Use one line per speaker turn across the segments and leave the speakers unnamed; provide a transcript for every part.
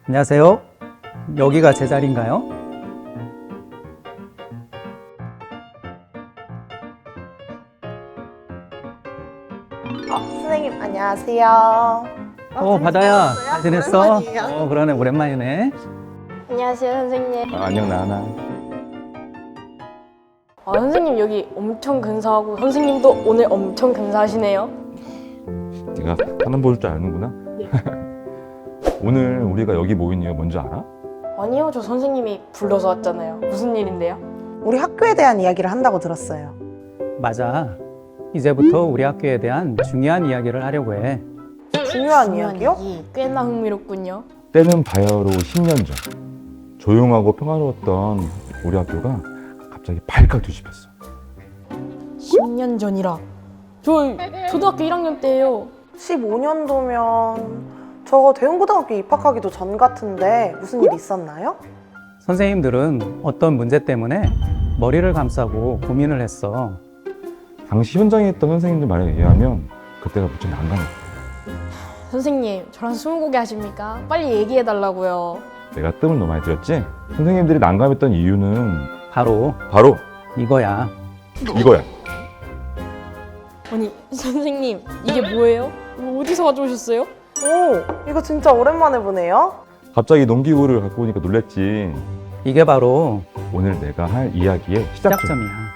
안녕하세요. 여기가 제 자리인가요?
선생님 안녕하세요.
바다야. 잘 지냈어?
오랜만이에요.
그러네. 오랜만이네.
안녕하세요, 선생님.
안녕 나나.
선생님 여기 엄청 근사하고 선생님도 오늘 엄청 근사하시네요.
네가 사람 볼 줄 아는구나.
네.
오늘 우리가 여기 모인 이유 뭔지 알아?
아니요, 저 선생님이 불러서 왔잖아요. 무슨 일인데요?
우리 학교에 대한 이야기를 한다고 들었어요.
맞아. 이제부터 우리 학교에 대한 중요한 이야기를 하려고 해.
중요한 이야기요?
꽤나 흥미롭군요.
때는 바야흐로 10년 전 조용하고 평화로웠던 우리 학교가 갑자기 발칵 뒤집혔어.
10년 전이라. 저 초등학교 1학년 때예요.
15년도면 저 대웅고등학교 입학하기도 전 같은데 무슨 일 있었나요?
선생님들은 어떤 문제 때문에 머리를 감싸고 고민을 했어.
당시 현장에 있던 선생님들 말에 의하면 그때가 무척 난감했어.
선생님, 저랑 스무고개 하십니까? 빨리 얘기해달라고요.
내가 뜸을 너무 많이 들였지? 선생님들이 난감했던 이유는
바로
이거야.
아니, 선생님, 이게 뭐예요? 이거 어디서 가져오셨어요?
오, 이거 진짜 오랜만에 보네요.
갑자기 농기구를 갖고 오니까 놀랬지.
이게 바로
오늘 내가 할 이야기의 시작점.
시작점이야.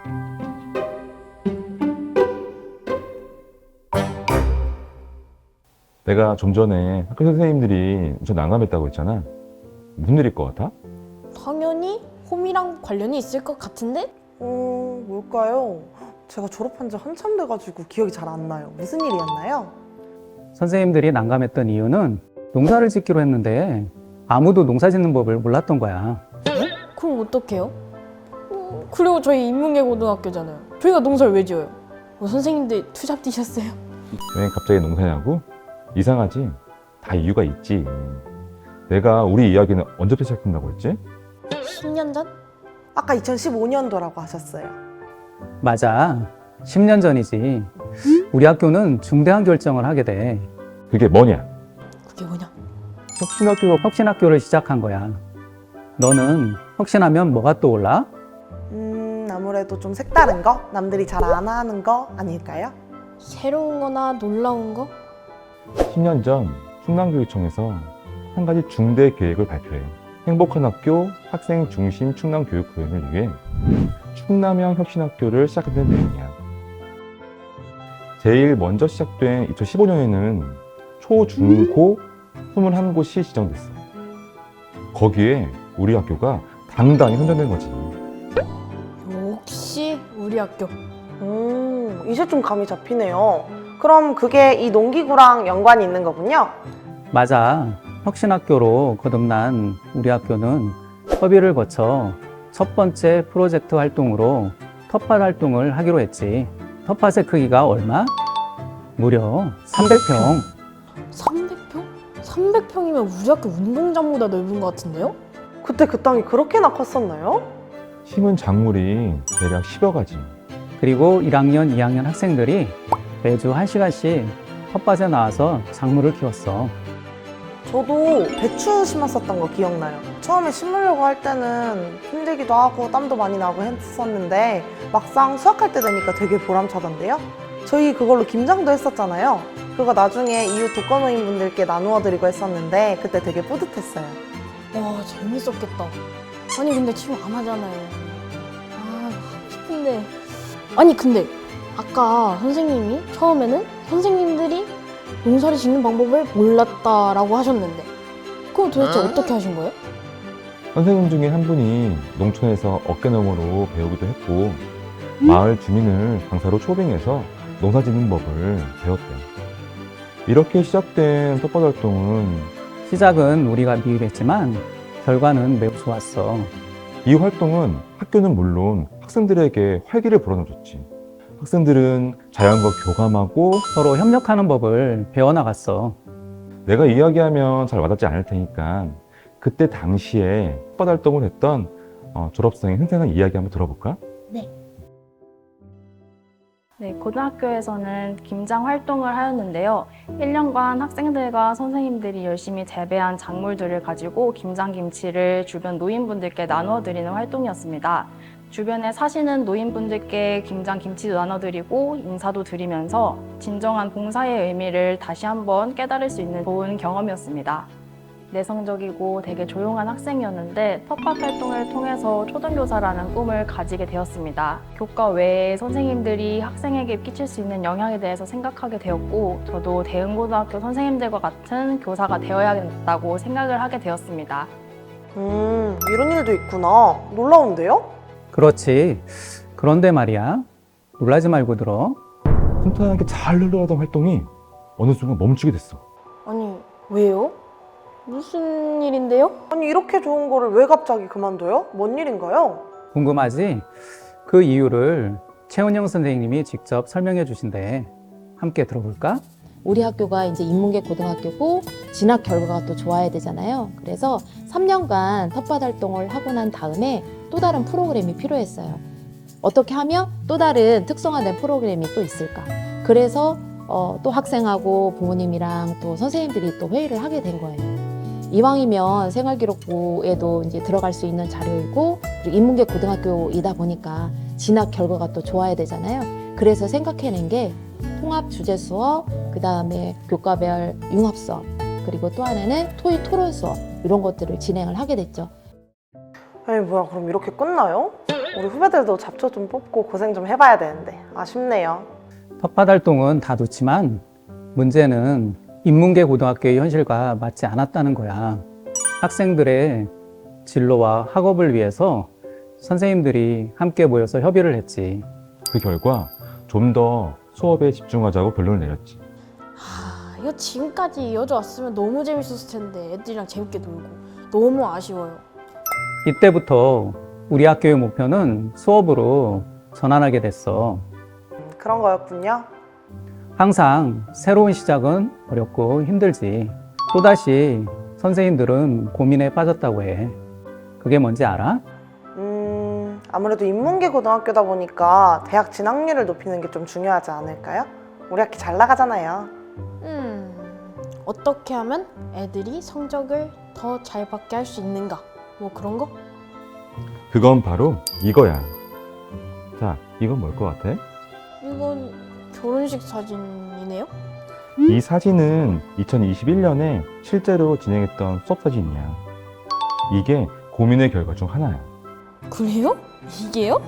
내가 좀 전에 학교 선생님들이 엄청 난감했다고 했잖아. 무슨 일일 것 같아?
당연히 홈이랑 관련이 있을 것 같은데?
뭘까요? 제가 졸업한 지 한참 돼가지고 기억이 잘 안 나요. 무슨 일이었나요?
선생님들이 난감했던 이유는 농사를 짓기로 했는데 아무도 농사 짓는 법을 몰랐던 거야.
그럼 어떡해요? 그리고 저희 인문계 고등학교잖아요. 저희가 농사를 왜 지어요? 선생님들 투잡 뛰셨어요?
왜 갑자기 농사냐고? 이상하지? 다 이유가 있지. 내가 우리 이야기는 언제부터 시작된다고 했지?
10년 전?
아까 2015년도라고 하셨어요.
맞아. 10년 전이지. 우리 학교는 중대한 결정을 하게 돼.
그게 뭐냐?
그게 뭐냐?
혁신학교를 시작한 거야. 너는 혁신하면 뭐가 떠올라?
아무래도 좀 색다른 거? 남들이 잘 안 하는 거 아닐까요?
새로운 거나 놀라운 거?
10년 전 충남교육청에서 한 가지 중대 계획을 발표해. 행복한 학교 학생 중심 충남 교육 구현을 위해 충남형 혁신학교를 시작하는 내용이야. 제일 먼저 시작된 2015년에는 초, 중, 고 21곳이 지정됐어. 거기에 우리 학교가 당당히 선정된 거지.
역시 우리 학교.
이제 좀 감이 잡히네요. 그럼 그게 이 농기구랑 연관이 있는 거군요?
맞아. 혁신학교로 거듭난 우리 학교는 협의를 거쳐 첫 번째 프로젝트 활동으로 텃밭 활동을 하기로 했지. 텃밭의 크기가 얼마? 무려 300평.
300평? 300평이면 우리 학교 운동장보다 넓은 것 같은데요?
그때 그 땅이 그렇게나 컸었나요?
심은 작물이 대략 10여 가지.
그리고 1학년, 2학년 학생들이 매주 1시간씩 텃밭에 나와서 작물을 키웠어.
저도 배추 심었었던 거 기억나요. 처음에 심으려고 할 때는 힘들기도 하고 땀도 많이 나고 했었는데 막상 수확할 때 되니까 되게 보람차던데요? 저희 그걸로 김장도 했었잖아요. 그거 나중에 이웃 독거노인분들께 나누어 드리고 했었는데 그때 되게 뿌듯했어요.
와, 재밌었겠다. 아니, 근데 지금 안 하잖아요. 하고 싶은데. 아니, 근데 아까 선생님이 처음에는 선생님들이 농사를 짓는 방법을 몰랐다라고 하셨는데 그럼 도대체 어떻게 하신 거예요?
선생님 중에 한 분이 농촌에서 어깨너머로 배우기도 했고 마을 주민을 강사로 초빙해서 농사 짓는 법을 배웠대요. 이렇게 시작된 텃밭 활동은
시작은 우리가 미흡했지만 결과는 매우 좋았어.
이 활동은 학교는 물론 학생들에게 활기를 불어넣어줬지. 학생들은 자연과 교감하고
서로 협력하는 법을 배워나갔어.
내가 이야기하면 잘 와닿지 않을 테니까 그때 당시에 텃밭 활동을 했던 졸업생의 생생한 이야기 한번 들어볼까?
네.
네, 고등학교에서는 김장 활동을 하였는데요. 1년간 학생들과 선생님들이 열심히 재배한 작물들을 가지고 김장김치를 주변 노인분들께 나누어 드리는 활동이었습니다. 주변에 사시는 노인분들께 김장김치도 나눠드리고 인사도 드리면서 진정한 봉사의 의미를 다시 한번 깨달을 수 있는 좋은 경험이었습니다. 내성적이고 되게 조용한 학생이었는데 텃밭 활동을 통해서 초등교사라는 꿈을 가지게 되었습니다. 교과 외에 선생님들이 학생에게 끼칠 수 있는 영향에 대해서 생각하게 되었고 저도 대흥고등학교 선생님들과 같은 교사가 되어야겠다고 생각을 하게 되었습니다.
이런 일도 있구나. 놀라운데요?
그렇지. 그런데 말이야. 놀라지 말고 들어.
순탄하게 잘 흘러가던 활동이 어느 순간 멈추게 됐어.
아니, 왜요? 무슨 일인데요?
아니, 이렇게 좋은 거를 왜 갑자기 그만둬요? 뭔 일인가요?
궁금하지? 그 이유를 최은영 선생님이 직접 설명해 주신대. 함께 들어볼까?
우리 학교가 이제 인문계 고등학교고 진학 결과가 또 좋아야 되잖아요. 그래서 3년간 텃밭 활동을 하고 난 다음에 또 다른 프로그램이 필요했어요. 어떻게 하면 또 다른 특성화된 프로그램이 또 있을까? 그래서 또 학생하고 부모님이랑 또 선생님들이 또 회의를 하게 된 거예요. 이왕이면 생활기록부에도 이제 들어갈 수 있는 자료이고 그리고 인문계 고등학교이다 보니까 진학 결과가 또 좋아야 되잖아요. 그래서 생각해낸 게 통합 주제 수업, 그 다음에 교과별 융합 수업, 그리고 또 하나는 토익 토론 수업 이런 것들을 진행을 하게 됐죠.
에이, 뭐야, 그럼 이렇게 끝나요? 우리 후배들도 잡초 좀 뽑고 고생 좀 해봐야 되는데 아쉽네요.
텃밭 활동은 다 좋지만 문제는 인문계 고등학교의 현실과 맞지 않았다는 거야. 학생들의 진로와 학업을 위해서 선생님들이 함께 모여서 협의를 했지.
그 결과 좀 더 수업에 집중하자고 결론을 내렸지.
이거 지금까지 이어져 왔으면 너무 재밌었을 텐데 애들이랑 재밌게 놀고 너무 아쉬워요.
이때부터 우리 학교의 목표는 수업으로 전환하게 됐어.
그런 거였군요.
항상 새로운 시작은 어렵고 힘들지. 또다시 선생님들은 고민에 빠졌다고 해. 그게 뭔지 알아?
아무래도 인문계 고등학교다 보니까 대학 진학률을 높이는 게 좀 중요하지 않을까요? 우리 학기 잘 나가잖아요.
어떻게 하면 애들이 성적을 더 잘 받게 할 수 있는가? 뭐 그런 거?
그건 바로 이거야. 자, 이건 뭘 것 같아?
이건 결혼식 사진이네요?
이 사진은 2021년에 실제로 진행했던 수업 사진이야. 이게 고민의 결과 중 하나야.
그래요? 이게요?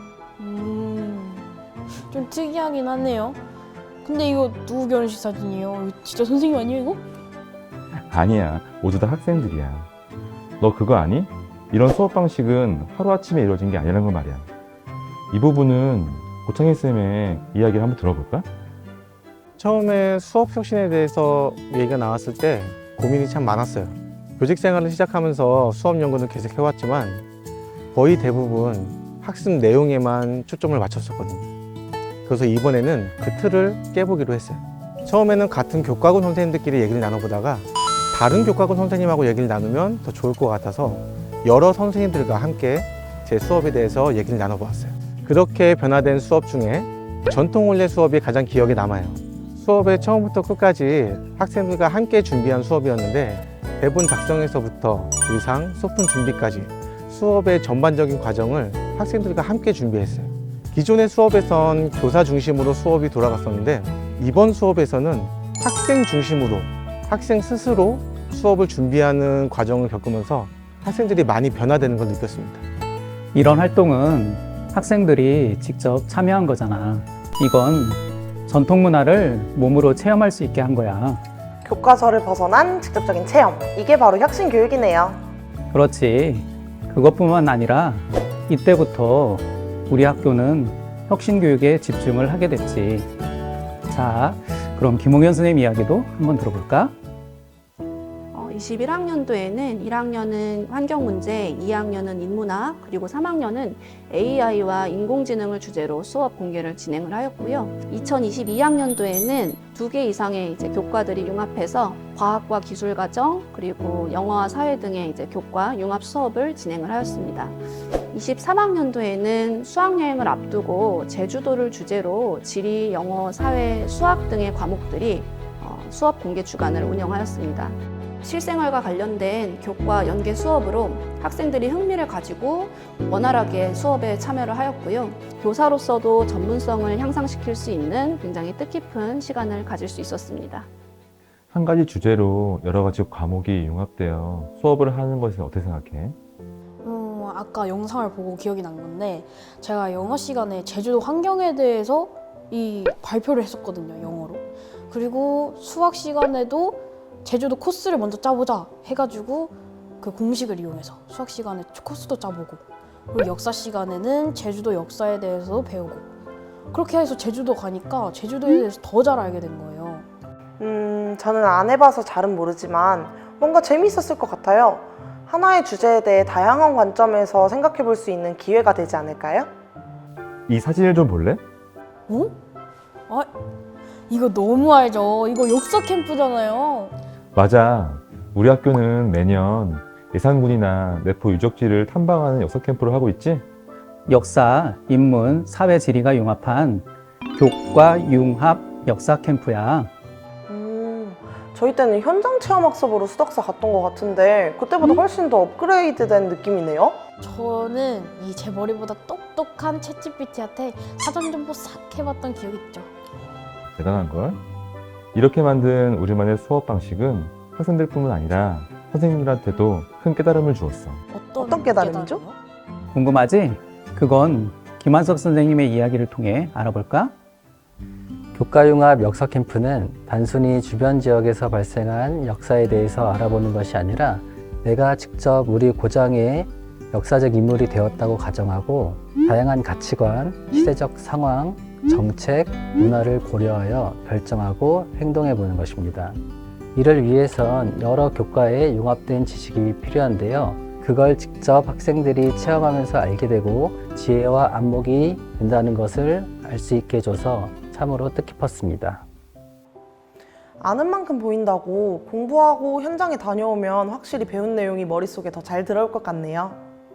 좀 특이하긴 하네요. 근데 이거 누구 결혼식 사진이에요? 이거 진짜 선생님 아니에요 이거?
아니야, 모두 다 학생들이야. 너 그거 아니? 이런 수업 방식은 하루아침에 이루어진 게 아니라는 걸 말이야. 이 부분은 고창희 쌤의 이야기를 한번 들어볼까?
처음에 수업 혁신에 대해서 얘기가 나왔을 때 고민이 참 많았어요. 교직 생활을 시작하면서 수업 연구는 계속 해왔지만 거의 대부분 학습 내용에만 초점을 맞췄었거든요. 그래서 이번에는 그 틀을 깨보기로 했어요. 처음에는 같은 교과군 선생님들끼리 얘기를 나눠보다가 다른 교과군 선생님하고 얘기를 나누면 더 좋을 것 같아서 여러 선생님들과 함께 제 수업에 대해서 얘기를 나눠보았어요. 그렇게 변화된 수업 중에 전통 원래 수업이 가장 기억에 남아요. 수업의 처음부터 끝까지 학생들과 함께 준비한 수업이었는데 대본 작성에서부터 의상, 소품 준비까지 수업의 전반적인 과정을 학생들과 함께 준비했어요. 기존의 수업에선 교사 중심으로 수업이 돌아갔었는데 이번 수업에서는 학생 중심으로 학생 스스로 수업을 준비하는 과정을 겪으면서 학생들이 많이 변화되는 걸 느꼈습니다.
이런 활동은 학생들이 직접 참여한 거잖아. 이건 전통 문화를 몸으로 체험할 수 있게 한 거야.
교과서를 벗어난 직접적인 체험. 이게 바로 혁신 교육이네요.
그렇지. 그것뿐만 아니라 이때부터 우리 학교는 혁신 교육에 집중을 하게 됐지. 자, 그럼 김홍현 선생님 이야기도 한번 들어볼까?
21학년도에는 1학년은 환경문제, 2학년은 인문학, 그리고 3학년은 AI와 인공지능을 주제로 수업 공개를 진행을 하였고요. 2022학년도에는 2개 이상의 이제 교과들이 융합해서 과학과 기술과정, 그리고 영어와 사회 등의 이제 교과 융합 수업을 진행을 하였습니다. 23학년도에는 수학여행을 앞두고 제주도를 주제로 지리, 영어, 사회, 수학 등의 과목들이 수업 공개 주간을 운영하였습니다. 실생활과 관련된 교과 연계 수업으로 학생들이 흥미를 가지고 원활하게 수업에 참여를 하였고요. 교사로서도 전문성을 향상시킬 수 있는 굉장히 뜻깊은 시간을 가질 수 있었습니다.
한 가지 주제로 여러 가지 과목이 융합되어 수업을 하는 것에 어떻게 생각해?
아까 영상을 보고 기억이 난 건데 제가 영어 시간에 제주도 환경에 대해서 이 발표를 했었거든요, 영어로. 그리고 수학 시간에도 제주도 코스를 먼저 짜보자 해가지고 그 공식을 이용해서 수학 시간에 코스도 짜보고, 그리고 역사 시간에는 제주도 역사에 대해서 배우고, 그렇게 해서 제주도 가니까 제주도에 대해서 더 잘 알게 된 거예요.
저는 안 해봐서 잘은 모르지만 뭔가 재미있었을 것 같아요. 하나의 주제에 대해 다양한 관점에서 생각해 볼 수 있는 기회가 되지 않을까요?
이 사진을 좀 볼래?
어? 아, 이거 너무 알죠? 이거 역사 캠프잖아요.
맞아. 우리 학교는 매년 예산군이나 내포 유적지를 탐방하는 역사 캠프를 하고 있지?
역사, 인문, 사회, 지리가 융합한 교과 융합 역사 캠프야.
저희 때는 현장 체험 학습으로 수덕사 갔던 것 같은데 그때보다 훨씬 더 업그레이드된 느낌이네요.
저는 이 제 머리보다 똑똑한 챗GPT한테 사전 정보 싹 해봤던 기억이 있죠.
대단한걸? 이렇게 만든 우리만의 수업 방식은 학생들뿐만 아니라 선생님들한테도 큰 깨달음을 주었어.
어떤 깨달음이죠?
궁금하지? 그건 김한석 선생님의 이야기를 통해 알아볼까?
교과융합 역사 캠프는 단순히 주변 지역에서 발생한 역사에 대해서 알아보는 것이 아니라 내가 직접 우리 고장의 역사적 인물이 되었다고 가정하고 다양한 가치관, 시대적 상황, 정책, 문화를 고려하여 결정하고 행동해 보는 것입니다. 이를 위해선 여러 교과에 융합된 지식이 필요한데요. 그걸 직접 학생들이 체험하면서 알게 되고 지혜와 안목이 된다는 것을 알 수 있게 해줘서 참으로 뜻깊었습니다.
아는 만큼 보인다고 공부하고 현장에 다녀오면 확실히 배운 내용이 머릿속에 더 잘 들어올 것 같네요.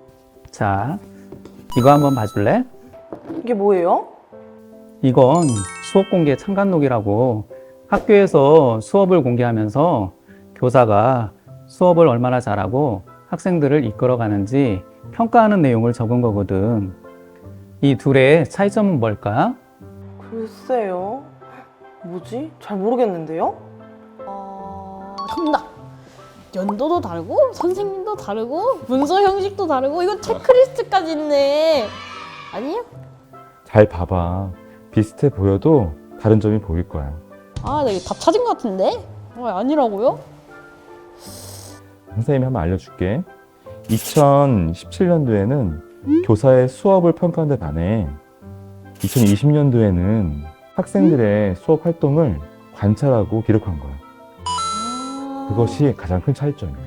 자, 이거 한번 봐줄래?
이게 뭐예요?
이건 수업 공개 참관록이라고 학교에서 수업을 공개하면서 교사가 수업을 얼마나 잘하고 학생들을 이끌어가는지 평가하는 내용을 적은 거거든. 이 둘의 차이점은 뭘까?
글쎄요. 뭐지? 잘 모르겠는데요?
정답! 연도도 다르고 선생님도 다르고 문서 형식도 다르고 이거 체크리스트까지 있네. 아니에요?
잘 봐봐. 비슷해 보여도 다른 점이 보일 거야.
아, 나 이거 답 찾은 것 같은데? 아니라고요?
선생님이 한번 알려줄게. 2017년도에는 교사의 수업을 평가하는 데 반해 2020년도에는 학생들의 수업 활동을 관찰하고 기록한 거야. 그것이 가장 큰 차이점이야.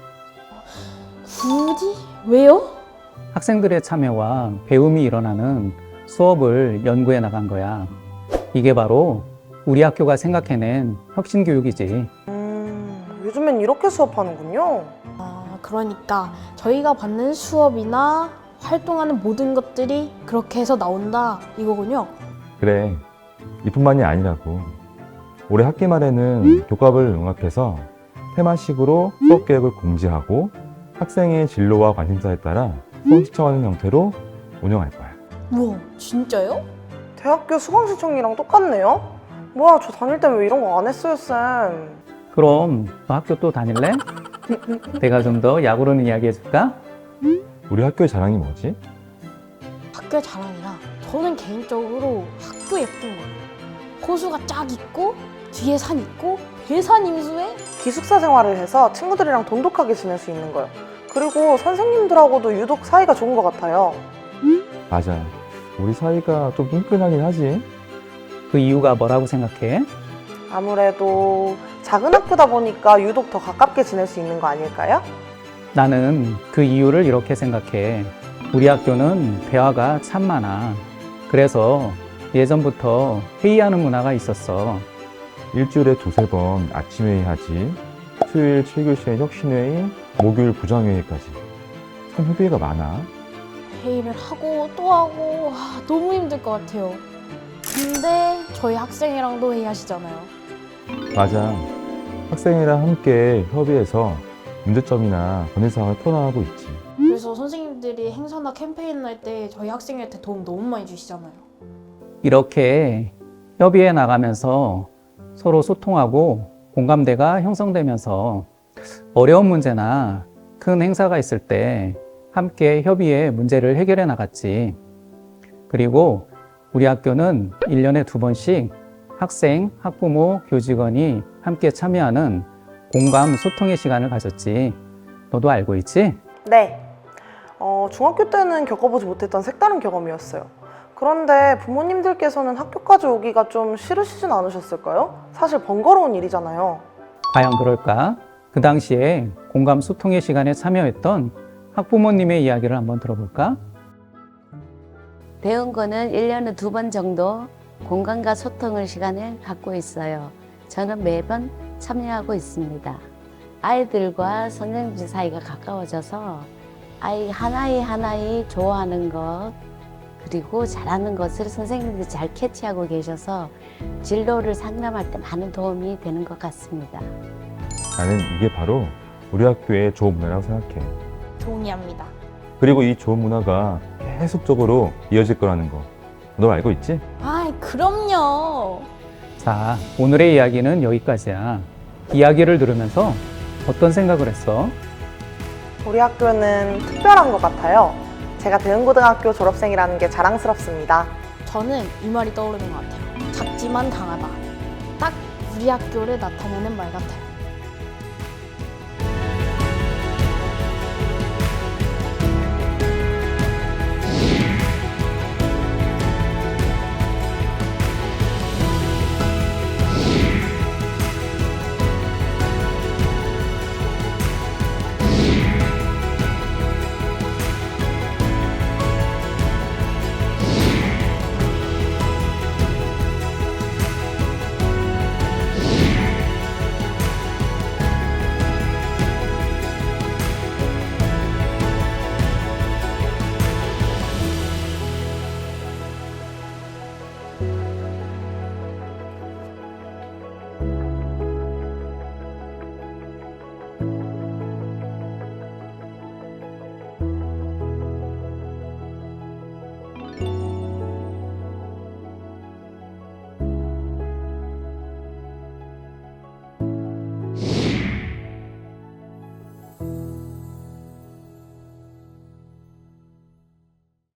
굳이? 왜요?
학생들의 참여와 배움이 일어나는 수업을 연구해 나간 거야. 이게 바로 우리 학교가 생각해낸 혁신교육이지.
요즘엔 이렇게 수업하는군요.
그러니까 저희가 받는 수업이나 활동하는 모든 것들이 그렇게 해서 나온다 이거군요.
그래. 이뿐만이 아니라고. 올해 학기 말에는 교과를 융합해서 테마식으로 수업 계획을 공지하고 학생의 진로와 관심사에 따라 수업 시청하는 형태로 운영할 거야.
우와, 진짜요?
대학교 수강 신청이랑 똑같네요? 뭐야, 저 다닐 때는 왜 이런 거 안 했어요, 쌤?
그럼 너 학교 또 다닐래? 내가 좀 더 약오르는 이야기 해줄까?
우리 학교의 자랑이 뭐지?
학교의 자랑이라 저는 개인적으로 학교 예쁜 거예요. 호수가 쫙 있고 뒤에 산 있고 배산 임수에
기숙사 생활을 해서 친구들이랑 돈독하게 지낼 수 있는 거예요. 그리고 선생님들하고도 유독 사이가 좋은 것 같아요.
맞아. 우리 사이가 좀 끈끈하긴 하지.
그 이유가 뭐라고 생각해?
아무래도 작은 학교다 보니까 유독 더 가깝게 지낼 수 있는 거 아닐까요?
나는 그 이유를 이렇게 생각해. 우리 학교는 대화가 참 많아. 그래서 예전부터 회의하는 문화가 있었어.
일주일에 두세 번 아침 회의하지. 수요일 7교시에 혁신회의, 목요일 부장회의까지. 참 협의회가 많아.
회의를 하고 또 하고 너무 힘들 것 같아요. 근데 저희 학생이랑도 회의하시잖아요.
맞아. 학생이랑 함께 협의해서 문제점이나 건의사항을 풀어나가고 있지.
그래서 선생님들이 행사나 캠페인 할 때 저희 학생한테 도움 너무 많이 주시잖아요.
이렇게 협의해 나가면서 서로 소통하고 공감대가 형성되면서 어려운 문제나 큰 행사가 있을 때 함께 협의해 문제를 해결해 나갔지. 그리고 우리 학교는 1년에 2번씩 학생, 학부모, 교직원이 함께 참여하는 공감 소통의 시간을 가졌지. 너도 알고 있지?
네. 중학교 때는 겪어보지 못했던 색다른 경험이었어요. 그런데 부모님들께서는 학교까지 오기가 좀 싫으시진 않으셨을까요? 사실 번거로운 일이잖아요.
과연 그럴까? 그 당시에 공감 소통의 시간에 참여했던 학부모님의 이야기를 한번 들어볼까?
배운 거는 1년에 2번 정도 공감과 소통을 시간을 갖고 있어요. 저는 매번 참여하고 있습니다. 아이들과 선생님들 사이가 가까워져서 아이 하나이 좋아하는 것 그리고 잘하는 것을 선생님들이 잘 캐치하고 계셔서 진로를 상담할 때 많은 도움이 되는 것 같습니다.
나는 이게 바로 우리 학교의 좋은 문화라고 생각해.
동의합니다.
그리고 이 좋은 문화가 계속적으로 이어질 거라는 거. 너 알고 있지?
아이, 그럼요.
자, 오늘의 이야기는 여기까지야. 이야기를 들으면서 어떤 생각을 했어?
우리 학교는 특별한 것 같아요. 제가 대흥고등학교 졸업생이라는 게 자랑스럽습니다.
저는 이 말이 떠오르는 것 같아요. 작지만 강하다. 딱 우리 학교를 나타내는 말 같아요.